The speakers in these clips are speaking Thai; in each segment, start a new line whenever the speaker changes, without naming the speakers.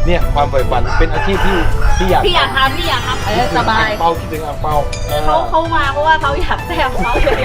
เนี่ยความใฝ่ฝันเป็นอาชีพที่อยาก
พี่อยากทำสบาย
เปาคิดถึงอ่างเปา
เขามาเพราะว่าเขาอยากแซ่บเขาเลย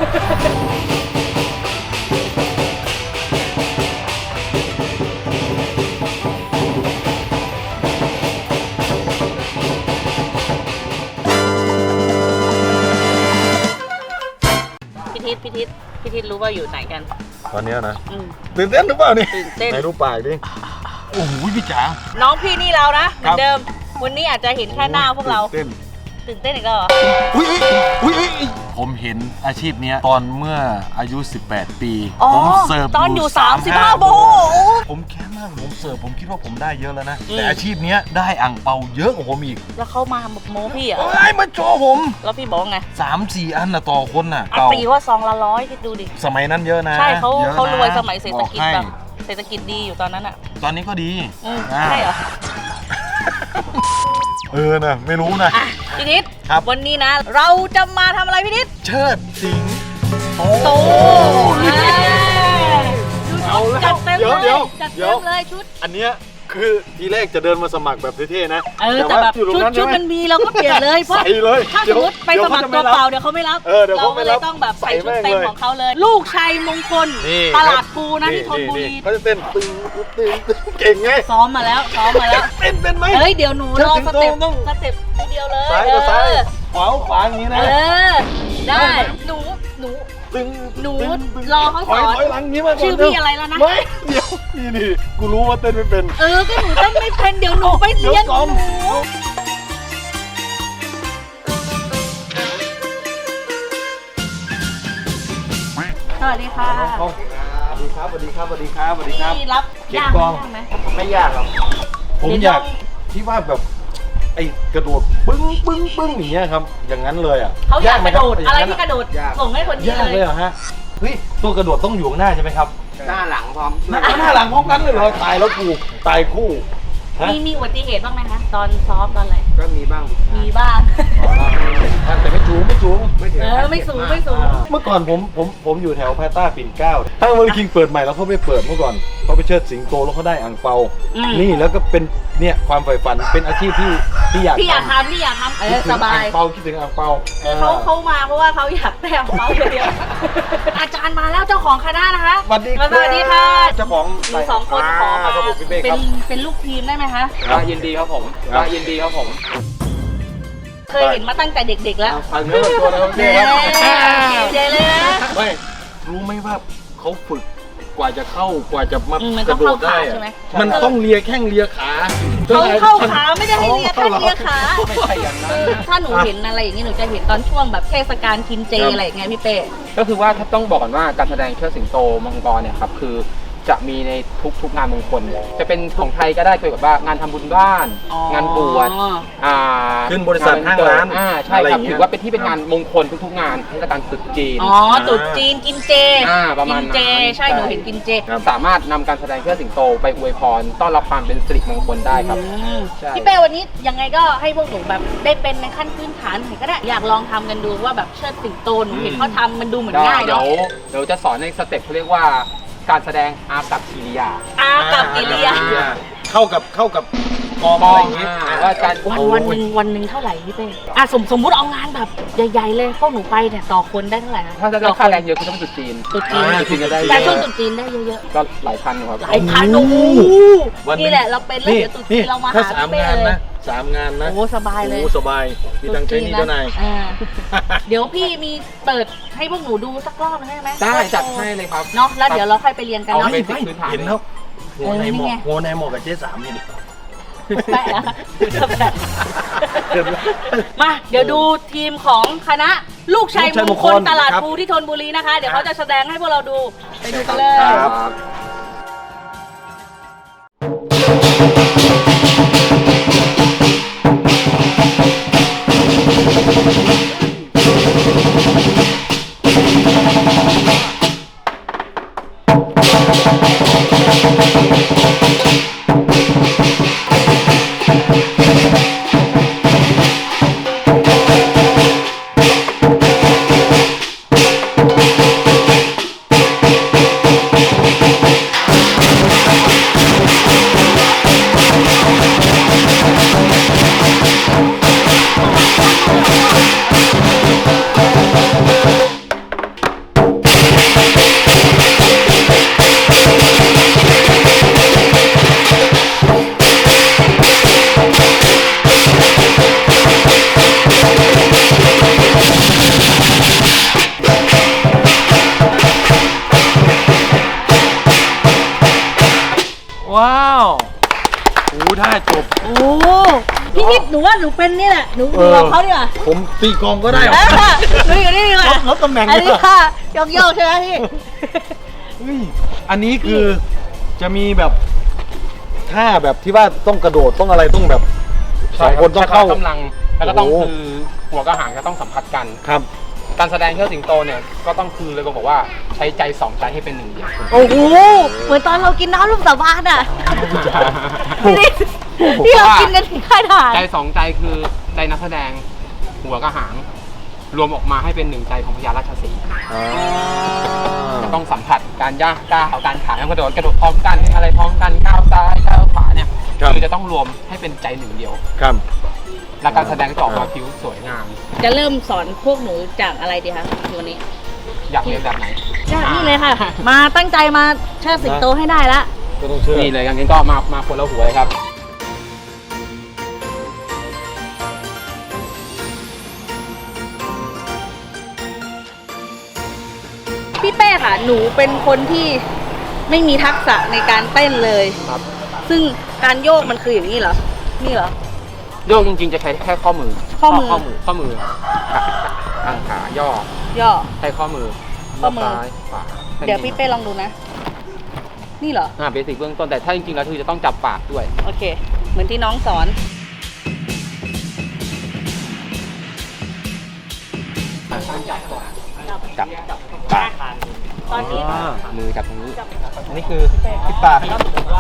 พี่ทิศรู้ว่าอยู่ไหนกัน
ตอนนี้นะตื่นเต้นหรือเปล่านี่
ตื่นเต้น
ไหนดูปากดิโอ้โหพี่จ๋า
น้องพี่นี่เรานะเหมือนเดิมวันนี้อาจจะเห็นแค่หน้าพวกเราตื่นเต้นอีกแล้วเหรอ
อุ้ยผมเห็นอาชีพนี้ตอนเมื่ออายุ18 ปีผมเสิร์ฟ
ตอนอยู่35 โบ
ผมแค่นั่งผมเสิร์ฟผมคิดว่าผมได้เยอะแล้วนะแต่อาชีพนี้ได้อ่างเปาเยอะกว่าผมอีก
แล้วเขามาโม้พี่อ่ะ
มาโจผม
แล้วพี่บอกไง
3-4 อันนะต่อคนน่ะ
ตีว่าซองละ100คิดดูดิ
สมัยนั้นเยอะนะ
ใช่เขารวยสมัยเศรษฐกิจแบบเศรษฐกิจดีอยู่ตอนนั้นอ่ะ
ตอนนี้ก็ดี
ใช่เหรอ
นะไม่รู้นะ
พี่นิดวันนี้นะเราจะมาทำอะไรพี่นิด
เชิดสิง
โตจัดเต็มเลยชุด
อันเนี้ยคือทีแรกจะเดินมาสมัครแบบเท่ๆนะ
แต่แบบชุดมันมีเราก็เปลี่ยนเลยเพราะถ้าสมมติไปสมัครตัวเปล่าเดี๋ยวเขาไม่รับเราก็เลยต้องแบบใส่ชุดเต็มของเขาเลยลูกชัยมงคลตลาดปูนะที่ธนบุรี
เขาจะเต้นตึงเก่งไง
ซ้อมมาแล้ว
เต้นเป็นไหม
เดี๋ยวหนูรอสเต็ปทีเดียวเลย
ซ้ายกับซ้ายขวาอย่างนี้นะ
ได้หนูรอเขาสอนชื่อพี่อะไรแล้วนะ
ไม่เดี๋ยวนี่กูรู้ว่าเต้นไม่เป็น
ก็หนูเต้นไม่เป็นเดี๋ยวหนูไปเรียนหนูสวัสดีค่ะ
สวัสดีครับ
พี่รับยากไหม
ไม่ยากครับผมอยากที่ว่าแบบไอ้กระโดดปึ้งอย่างเงี้ยครับอย่างนั้นเลยอ่ะ
เขาอยากกระโดดอะไรที่กระโดดส่งให้คนนี้
เลยเหรอฮะเฮ้ยตัวกระโดดต้องอยู่ข้างหน้าใช่ไหมครับ
หน้าหลังพร้อม
หน้าหลังพร้อมกันเลยเหรอตายแล้วกูตายคู่
มีอุบัติเหตุบ้างไหมคะตอนซ้อมตอนอะไร
ก็มีบ้าง
แต่ไม่สูง
ไม่สูง
เมื่อก่อนผมอยู่แถวพาต้าปิ่นเกล้าถ้าเวอร์คิงเปิดใหม่แล้วเขาไปเปิดเมื่อก่อนเขาไปเชิดสิงโตแล้วเขาได้อ่างเปานี่แล้วก็เป็นเนี่ยความใฝ่ฝันเป็นอาชีพที่อยาก
ทำสบาย
เปาคิดถึงอ่างเปา
เขามาเพราะว่าเขาอยากแต้มเขาเลยอาจารย์มาแล้วเจ้าของคณะนะคะ
สวัสดีค่ะเจ้าของ
2 คนขอมาเป็นลูกทีมได้ไหมคะ
ยินดีครับผม
เคยเห็นมาตั้งแต่เด็กๆแล้ว
เนื้อตัวแล้ว
เจ๊เลยนะ
ไม่รู้ไหมว่าเขาฝึกกว่าจะเข้ากว่าจะมากระโดดได้มันต้องเลียแข้งเลียขา
เข้าขาไม่ได้ให้เลียแข้งเลียขาไม่ใช่อย่างนั้นถ้าหนูเห็นอะไรอย่างนี้หนูจะเห็นตอนช่วงแบบเทศกาลกินเจอะไรอย่างเงี้ยพี่เป้
ก็คือว่าถ้าต้องบอกก่อนว่าการแสดงเชิดสิงโตมังกรเนี่ยครับคือจะมีในทุกงานมงคลจะเป็นของไทยก็ได้เกี่ยวกับว่างานทำบุญบ้านงานบวช
ขึ้นบริษัทห้างร้าน
ใช่ครับถือว่าเป็นที่เป็นงานมงคลทุกๆงานเทศกาลตรุษจีน
ตรุษจีนกินเจ
ประมาณ
เจใช่หนูเห็นกินเจ
สามารถนำการแสดงเชิดสิงโตไปอวยพรต้อนรับความเป็นสิริมงคลได้ครับ
พี่เป้วันนี้ยังไงก็ให้พวกหนูแบบได้เป็นในขั้นพื้นฐานก็ได้อยากลองทำกันดูว่าแบบเชิดสิงโตหนูเห็นเขาทำมันดูเหมือนง่ายเนาะ
เดี๋ยวจะสอนในสเต็ปเขาเรียกว่าการแสดงอากับกิริยา
เข้ากับกองอะไรอย่างเงี้ย
ว่าการวันหนึ่งเท่าไหร่พี่เป้สมมุติเอางานแบบใหญ่ๆเลยพวกหนูไปเนี่ยต่อคนได้เท่าไหร่
ถ้าจะได้ค่าแรงเยอะก็ต้องตุดจีน
ก็ได้แต่ช่วงตุดจีนได้เยอะ
ๆก็หลายพันครับ
หลายพันโอ้โหนี่แหละเราเป็นแล้วเดี๋ยวตุดจีนเรามาหาพี่เป้เลย
3 งานนะ
โอ้สบายเลย
สบายมีตังใจนี่เจ้านาย
เดี๋ยวพี่มีเปิดให้พวกหนูดูสักรอบได้ไหม
ได้จัดให้เลยครับ
เนาะแล้วเดี๋ยวเราค่อยไปเรียนกันเนาะ
เห็นแล้วโงในหมอกกับเจ๊3นี่
แปะนะมาเดี๋ยวดูทีมของคณะลูกชัยมงคลตลาดปูที่ธนบุรีนะคะเดี๋ยวเขาจะแสดงให้พวกเราดูไปดูกันเลย
ท่าจบ
โอ้พี่นิดหนูว่าหนูเป็นนี่แหละหนูบอกเขาดีกว่า
ผมตีกลองก็ได้
หนูอยู่นี่ดีกว่า
ลดตำแหน่ง
อัน
ดี
นี้
กว่า
ค่ะโยกๆใช่ไหมพี่
เฮ้ยอันนี้คือจะมีแบบท่าแบบที่ว่าต้องกระโดดต้องอะไรต้องแบบสองคนต้องเข้า
กำลังแล้วก็ต้อง
โอ้โห
คือหัวกับหางจะต้องสัมผัสกัน
ครับ
การแสดงเชิดสิงโตเนี่ยก็ต้องคือเลยบอกว่าใช้ใจสองใจให้เป็นหนึ่งเดียว
โอ้โหเหมือนตอนเรากินน้ำลูกสาบานอ่ะพี่นิดที่เรากินกันที่ค่ายทหาร
ใจสองใจคือใจนักแสดงหัวกับหาง รวมออกมาให้เป็นหนึ่งใจของพญาราชสีห์จะต้องสัมผัสการย่างก้าวการขาการกระโดดพร้อมกันอะไรพร้อมกันก้าวซ้ายก้าวขวาเนี่ยคือจะต้องรวมให้เป็นใจหนึ่งเดียว
ครับ
และการแสดงจะออกมาผิวสวยงาม
จะเริ่มสอนพวกหนูจากอะไรดีคะวันนี้
อยากเรียนแบบไหน
จากนี่เลยค่ะ มาตั้งใจมาเชิดสิงโตให้ได้ละ
ก็ต้องเชื่อ
นี่เลยงั้นก็มาคนละหัวเลยครับ
พี่เป้ค่ะ หนูเป็นคนที่ไม่มีทักษะในการเต้นเลย
ครับ
ซึ่งการโยกมันคืออย่างนี้เหรอ นี่เหรอ
โยกจริงๆจะใช้แค่ข้อมือ
ข้อมือ
ทางขาย่อย่
อ
ใช้ข้อมือ
ข้อมือ
ซ้ายขวา
เดี๋ยวพี่เป้ลองดูนะ นี่เหรอ
เบสิกเบื้องต้นแต่ถ้าจริงๆแล้วคือจะต้องจับปากด้วย
โอเค เหมือนที่น้องสอน
จับปาก
ตอนนี้
มือจับตรงนี้
อันนี้คือที่ปาก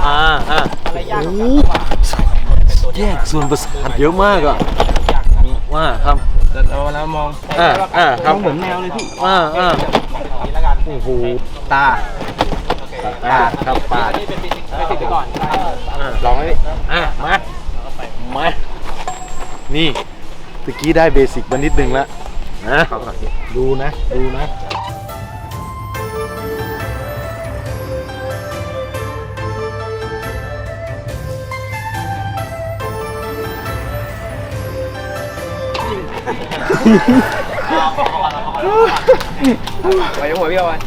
แยกส่วนประสาทเยอะมากอ่ะว่าครับ
เราแล้วมอง
ครับเหมือนแมวเลยพี่โอ้โหตาครับปาก
นี่เป็นเบสิกไปก่อน
ลองให้มานี่ตะกี้ได้เบสิกมานิดนึงแล้วนะดูนะ
ไปหัวพี่เอาไว้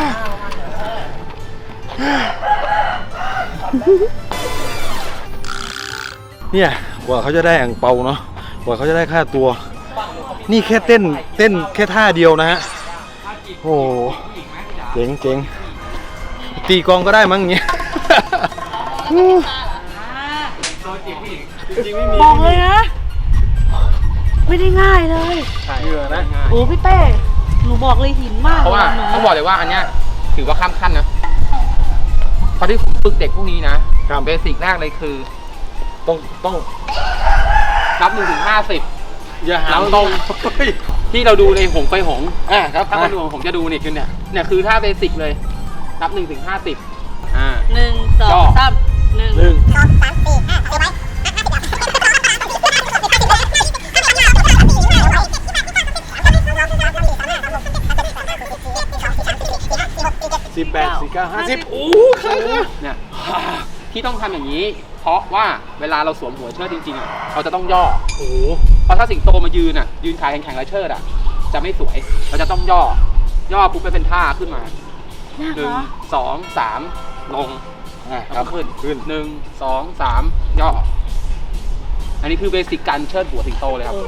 เนี่ยกว่าเขาจะได้อ่างเปาเนาะกว่าเขาจะได้ค่าตัว นี่แค่เต้นแค่ท่าเดียวนะฮะโอ้โหเจ๋งตีกลองก็ได้มั้งอย่างเงี้ยจริงไม่มี
บอกเลยนะ ไม่ได้ง่ายเลย
เหยื่อนะ
โอ้พี่เป้ หนูบอกเลยหินมาก
เพราะว่า
หนู
ต้องบอกเลยว่าอันเนี้ยถือว่าข้ามขั้นนะเพราะที่ผมฝึกเด็กพวกนี้นะเบสิกแรกเลยคือ
ต้อง
นับ1-50
อย่าหา
ตรงที่เราดูในหงไปหง
ครับ
ถ้าคนดูผมจะดูนี่คือเนี่ยคือท่าเบสิกเลยนับ1-50
1 2 3 1
18 19 50โอ้ค่ะ
เนี่ยที่ต้องทำอย่างนี้ เพราะว่าเวลาเราสวมหัวเชิดจริงๆอ่ะเราจะต้องย่อ
โอ้
เพราะถ้าสิงโตมายืนยืนขาแข็งๆแล้วเชิดจะไม่สวย เราจะต้องย่อปุ๊บไปเป็นท่าขึ้นมา
ยากเหรอ
1 2 3 ลง
ครับ
ขึ้น1 2 3 ย่อ อันนี้คือเบสิกการเชิดหัวสิงโตเลยครับ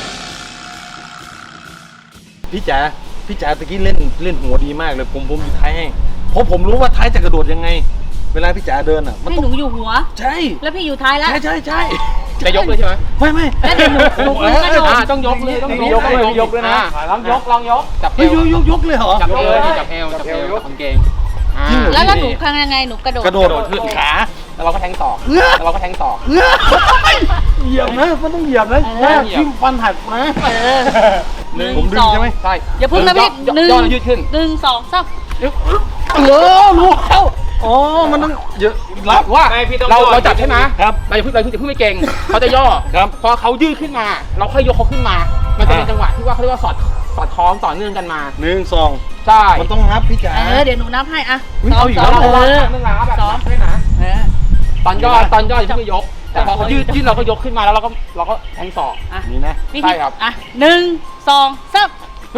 พี่จ๋าตะกี้เล่นหัวดีมากเลยผมอยู่ท้ายให้เพราะผมรู้ว่าท้ายจะกระโดดยังไง เวลาพี่จ๋าเดินอ่ะมัน
ให้
ต้อ
ห
ง
นูอยู่หัว
ใช่
แล้วพี่อยู่ท้ายแล้ว
ใช่
จะยกเลยใช่ไหม
ไม่
แล้วเดี๋ยวหนูกระโดด
ต้องยกเลยต้อง
ยกเลยนะ
ลองยกจับเอ
เฮ้ยว ยกเลยเหรอ
จับเอวจับเอวกางเกง
จริงเหรอ
แล้วหนูทำยังไงหนูกระโดด
กระโดดขึ้นขา
แล้วเราก็แทงศอกแล้วเราก็แทงศอก
เหยียบนะมันต้องเหยียบนะทิ่มฟันหักนะ ผมดึงใช่ไหม
ใช่
อย่าพึ่งนะพี่
ย่อยืดขึ้น
1 2 3
รู้แล้วอ๋อมันต้องเยอะรับ
ว่าเราจับใช่ไหม
ครับ
เราอย่าเพิ่งไม่เก่งเขาจะย่อ
ครับ
พอเขายืดขึ้นมา เราค่อยยกเขาขึ้นมา มันจะเป็นจังหวะที่ว่าเขาเรียกว่าสอดคล้องต่อเนื่องกันมา
1 2
ใช่
มันต้องนับพี่จ๋า
เดี๋ยวหนูนับให้อ่ะ
เอาอีก
เรา
แล้ว
วางเรื่องราวแบบนั้นด้วยนะตอนย่ออย่าเพิ่งยก แต่พอเขายืดเราก็ยกขึ้นมาแล้วเราก็แทงศอก
นี่นะ
ใช่ครับ
อ่ะ1 2 3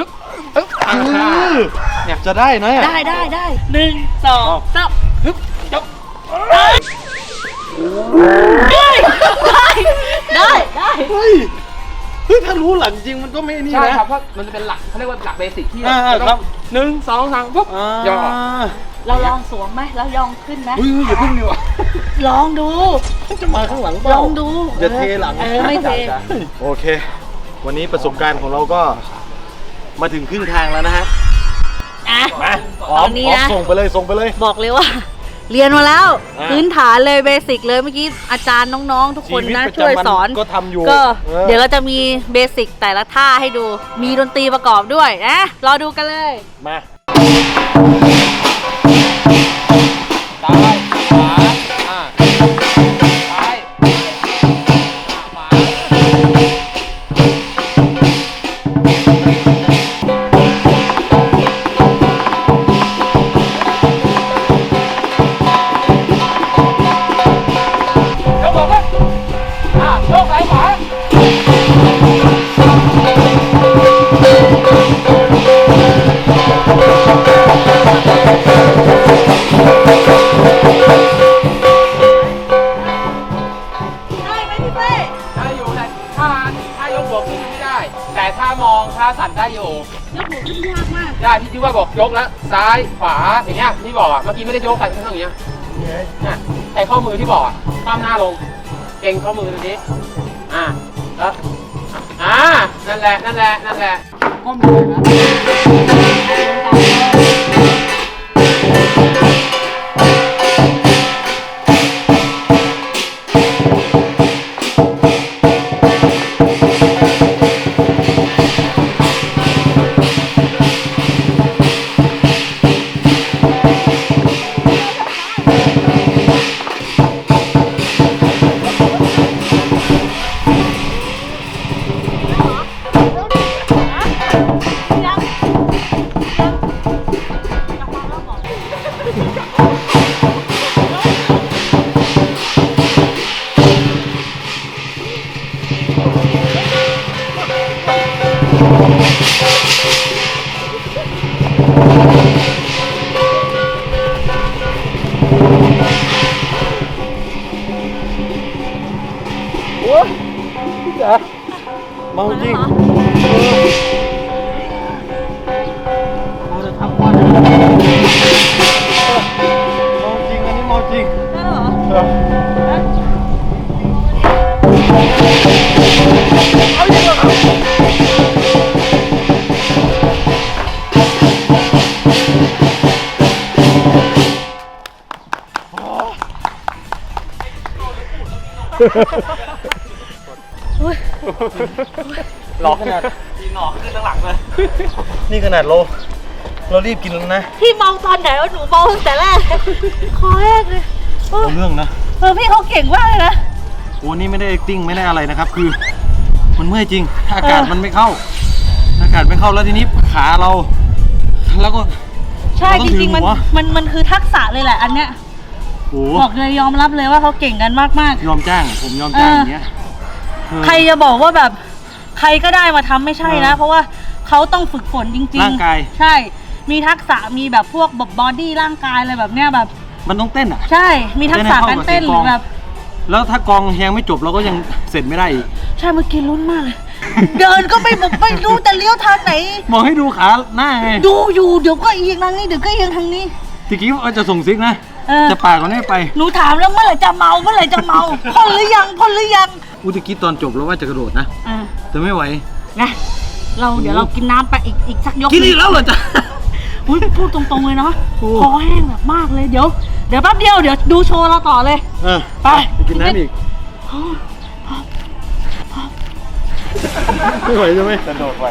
เนี่ย
จะได้นะ
ได้1 2 3
ยก
เฮ้ยถ้ารู้หลังจริงมันก็ไม่นี่นะ
ใช่ครับเพราะมันจะเป็นหลักเขาเรียกว่าหลักเบสิกที่
ครับ
1 2 3ปุ๊บย่อ
เราลองสวมไหมแล้วยองขึ้นไหม
อุ้ยอย่าพึ่งดีกว่า
ลองดู
จะมาข้างหลังเป
ล
ล่า
องดู
อย่าเทหลัง
ไม่เท
โอเค วันนี้ประสบการณ์ของเราก็มาถึงครึ่งทางแล้วนะฮะ
อ่ะ
มา
ตอนนี้นะ
ส่งไปเลย
บอกเลยว่า เรียนมาแล้ว
อ่า
พื้นฐานเลยเบสิกเลยเมื่อกี้อาจารย์น้องๆ ทุกคนนะ
ชีวิตประจำ
ช่วยสอน
ก็ทำอยู่
ก็
เดี๋
เดี๋ยวเราจะมีเบสิกแต่ละท่าให้ดู มีดนตรีประกอบด้วยนะรอดูกันเลย
มา
ซ้ายขวาซ้ายขวาแล้วบอกว่าโยกซ้ายขวา
ได้ไหมพี่เป้
ได้อยู่แต่ถ้ายกหัวขึ้นไม่ได้ แต่ถ้ามองถ้าสั่นได้อยู่
ยกหัวขึ้นยากมาก
ได้ที่ว่าบอกยกแล้วซ้ายขวาอย่างเงี้ยที่บอกอ่ะเมื่อกี้ไม่ได้ยกใส่ข้างอย่างเงี้ยเนี่ยใส่ข้อมือที่บอกอ่ะข้ามหน้าลงเก่งข้อมือตรงนี้แล้วนั่นแหละก้มลงนะ
โอ้ยพี่จ๋าเมาจริงเราจะทำวันเมาจริงอันนี้เมาจริง
ได้เหรอ
เอาจริงเหรอครับหลอกขนาด
มีหนอกขึ้นข้างหลังเลย
นี่ขนาดเรารีบกินแล้วนะ
พี่เมาตอนไหนวะหนูเมาตั้งแต่แรกคอแห้งเลยเออ
เอาเรื่องนะ
พี่เขาเก่งมากเลยนะ
โอ้นี่ไม่ได้ acting ไม่ได้อะไรนะครับ คือมันเมื่อยจริงถ้าอากาศมันไม่เข้าอากาศไม่เข้าแล้วทีนี้ขาเรา แล้วก็
ใช่
เราต้
จ
องถือ
ริงๆ
หัว
มันคือทักษะเลยแหละอันเนี้ย
โอ้
บอกเลยยอมรับเลยว่าเขาเก่งกันมาก
ยอมจ้างผมยอมจ้างอย่างเงี้ย
ๆ ใครจะบอกว่าแบบใครก็ได้มาทำไม่ใช่นะ เพราะว่าเขาต้องฝึกฝนจริงๆ
ร่างกาย
ใช่ มีทักษะมีแบบพวกบอดี้ร่างกายอะไรแบบเนี้ยแบบ
มันต้องเต้นอ่ะ
ใช่ มีทักษะการเต้นหรือแบบ
แล้วถ้ากองยังไม่จบเราก็ยังเสร็จไม่ได้อีก
ใช่เมื่อกี้ลุ้นมากเลย เดินก็ไม่รู้จะเลี้ยวทางไหน
บอกให้ดูขาหน้าไง
ดูอยู่เดี๋ยวก็เอียงทางนี้เดี๋ยวก็เอียงทางนี้
ทีกี้ว่าจะส่งซิกนะ
เออ
จะปากก่อนให้ไป
หนูถามแล้วเมื่อไหร่จะเมาเมื่อไหร่จะเมาพ่นหรือยังพ่นหรือยัง
อุตะกี้ตอนจบเราว่าจะกระโดดนะ
อ่า
แต่ไม่ไหว
นะเดี๋ยวเรากินน้ำไปอีกสักยก
กินอีกแล้วเหรอจ๊ะ
อุ้ยพูดตรงๆเลยเนาะ
โอ้
คอแห้งแบบมากเลยเดี๋ยวแป๊บเดียวเดี๋ยวดูโชว์เราต่อเลย ไป
กินน้ำอีก ไม่ไหวใช่ไหมกระโดดไหว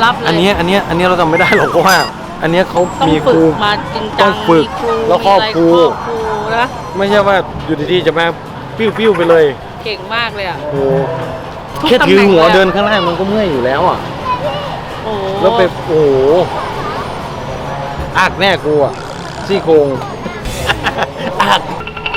รับเลย
อันเนี้ยเราทำไม่ได้หรอกเพราะว่า อันเนี้ยเขา
ต้อง
มีค
ฝึ
รู
กมาจริง
ต้
จั
อง งฝึก
มีครู
แล้วครอบครู
มีอะไรครอบครูนะ
ไม่ใช่ว่าอยู่ดีๆจะมาปิ้วๆไปเลย
เก่งมากเลยอ่ะ
โอ้
ทุก
แค่ถือหัว
ตำแหน่งเลยอะ
เดินข้างล่างมันก็เมื่อยอยู่แล้วอ่ะ
โอ้
แล้วไปโอ้โหอักแน่กูอ่ะซี่โครงอัก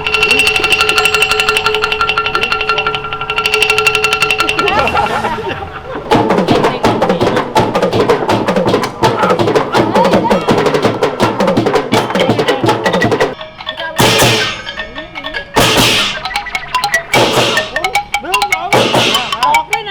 ออกด้วยนะ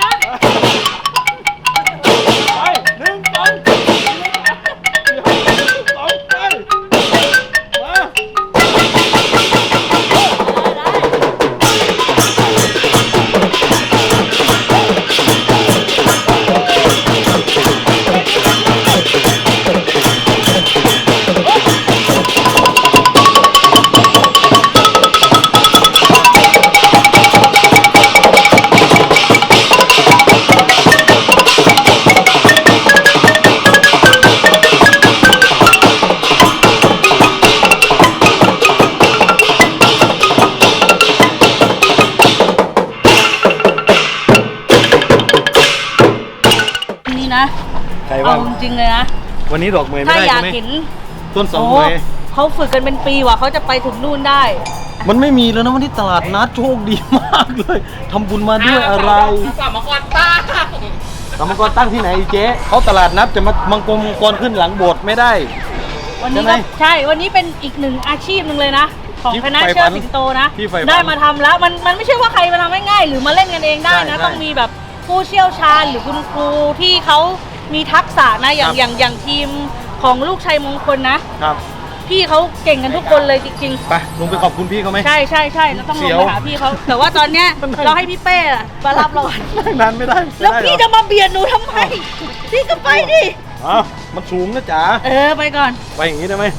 นี่นะ
ใคร
เอา
ว่า
จริงๆเลยนะ
วันนี้ดอกเมย์ไม่
ถ้า
ได้
อยาก
ใช่ไหม
เห็น
ต้นสอง
โอ้
เมย์
เขาฝึกกันเป็นปีว่ะเขาจะไปถึงนู่นได้
มันไม่มีแล้วนะวันที่ตลาดนัดโชคดีมากเลยทำบุญมาด้วยอะไร
สามกรป้า
กรรมกรตั้งที่ไหนอีเจ๊เขาตลาดนัดจะมามังกรขึ้นหลังโบสถ์ไม่ได้
วันนี้
ใช่ไหม
ก็ใช่ วันนี้เป็นอีกหนึ่งอาชีพหนึ่งเลยนะ ของ
ที่
คณะ
ใฝ่
เชิ
ฝั
ด
น
สิงโตนะ
ที่ใฝ่ฝัน
ได้มาทำแล้วมันไม่ใช่ว่าใครมาทำง่ายๆหรือมาเล่นกันเองได้นะ
ใช่
ต้องมีแบบผู้เชี่ยวชาญหรือคุณครูที่เขามีทักษะนะอย่าง
ครับ
อย่างทีมของลูกชัยมงคลนะครับ พี่เขาเก่งกันทุกคนเลยจริงๆ
ไปลงไปขอบคุณพี่เขาไหม
ใช่ใช่ใช่เราต้องล
เสี
ง
ยว
ไปหาพี่เขาแต่ว่าตอนเนี้ย เราให้พี่เป้อะมารับเราก่อน
นั่งนานไม่ได้
แล้ว
ไม่ได้
พี่
เหร
จะ
อ
มาเบียดหนูทำไมพี่ก็ไปดิ
อ้าวมันสูงนะจ๋า
ไปก่อน
ไปอย่างนี้ได้ไหม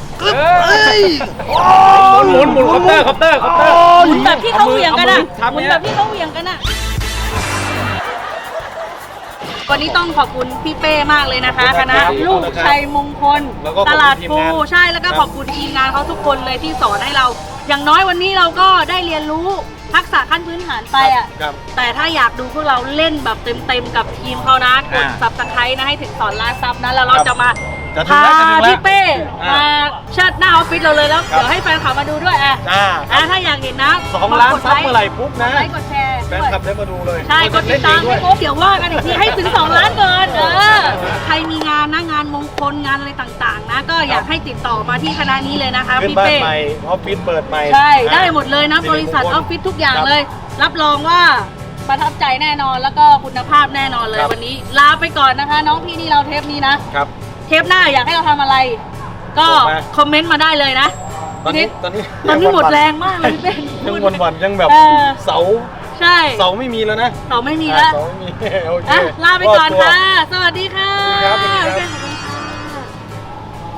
หมุนคอปเตอร์
หมุนแบบที่เขาเหวี่ยงกันอะ
เอา
ห
มื
มุ
อน ทำ
แบบที่เขาเหวี่ยงกันอะวันนี้ต้องขอบคุณพี่เป้มากเลยนะคะคณะลูกชัยมงคล ตลาดปูใช่แล้วก็ขอบคุณทีมงานเขาทุกคนเลยที่สอนให้เรา อย่างน้อยวันนี้เราก็ได้เรียนรู้ทักษะขั้นพื้นฐานไปอะ
ครับ
แต่ถ้าอยากดูพวกเราเล่นแบบเต็มๆกับทีมเขานะกด
อ่า
subscribe นะให้ถึงสอนล้านซับนะแล้วเราจะมา
จะถึง
พา
แล้วจะถึงแล้ว
พี่เป้
อ่าม
มาเชิดหน้าออฟฟิศเราเลยแล้ว
ครับ
เดี๋ยวให้แฟนคลับมาดูด้วยอ่ะ ถ้าอยากเห็นนะ
2 ล้านซับเมื่อไหร่ปุ๊บนะ
ไลค์กดแชร์
แฟนคลับได้มาดูเลย
ใช่กดติดตามให้ครบเดี๋ยวว่ากันอีกทีให้ถึง 2 ล้านก่อนใครมีงานนะงานมงคลงานอะไรต่างๆ นะ ก็อยากให้ติดต่อมาที่คณะนี้เลยนะคะ
ขึ้น
พี่
บ้าน
เป้
ใหม่ออฟฟิศเปิดใหม่
ใช่ได้หมดเลยนะบริษัทออฟฟิศทุกอย่าง
ครับ
เลย รับรองว่าประทับใจแน่นอนแล้วก็คุณภาพแน่นอนเลย
ครับ
วันนี้ลาไปก่อนนะคะ น้องพี่นี่เราเทปนี้นะ
ครับ
เทปหน้าอยากให้เราทำอะไร ก็
บอกมา
คอมเมนต์มาได้เลยนะ
ตอนนี้
ตอนนี้หมดแรงมากเลยพี่เป้
ยังวันๆยังแบบ
เออ
เสา
ใช่
เสาไม่มีแล้วนะ
ต่อไม่มีแล้ว
เสาไม่มีโอเค
อ่ะลาไปก่อน
รดตัว
ค่ะ สวัสดีค่ะ
สวัสดีครับ
พี่เป้ขอบคุณค่ะ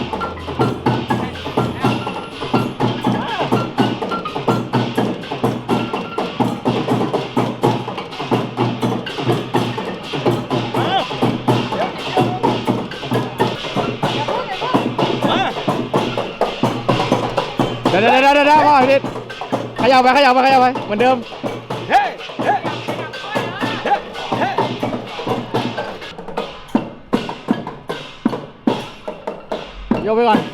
เดี๋ยวพ่อพี่ขยับไปเหมือนเดิม
เฮ้เฮ้เฮ้เฮ้
ยกไปก่อน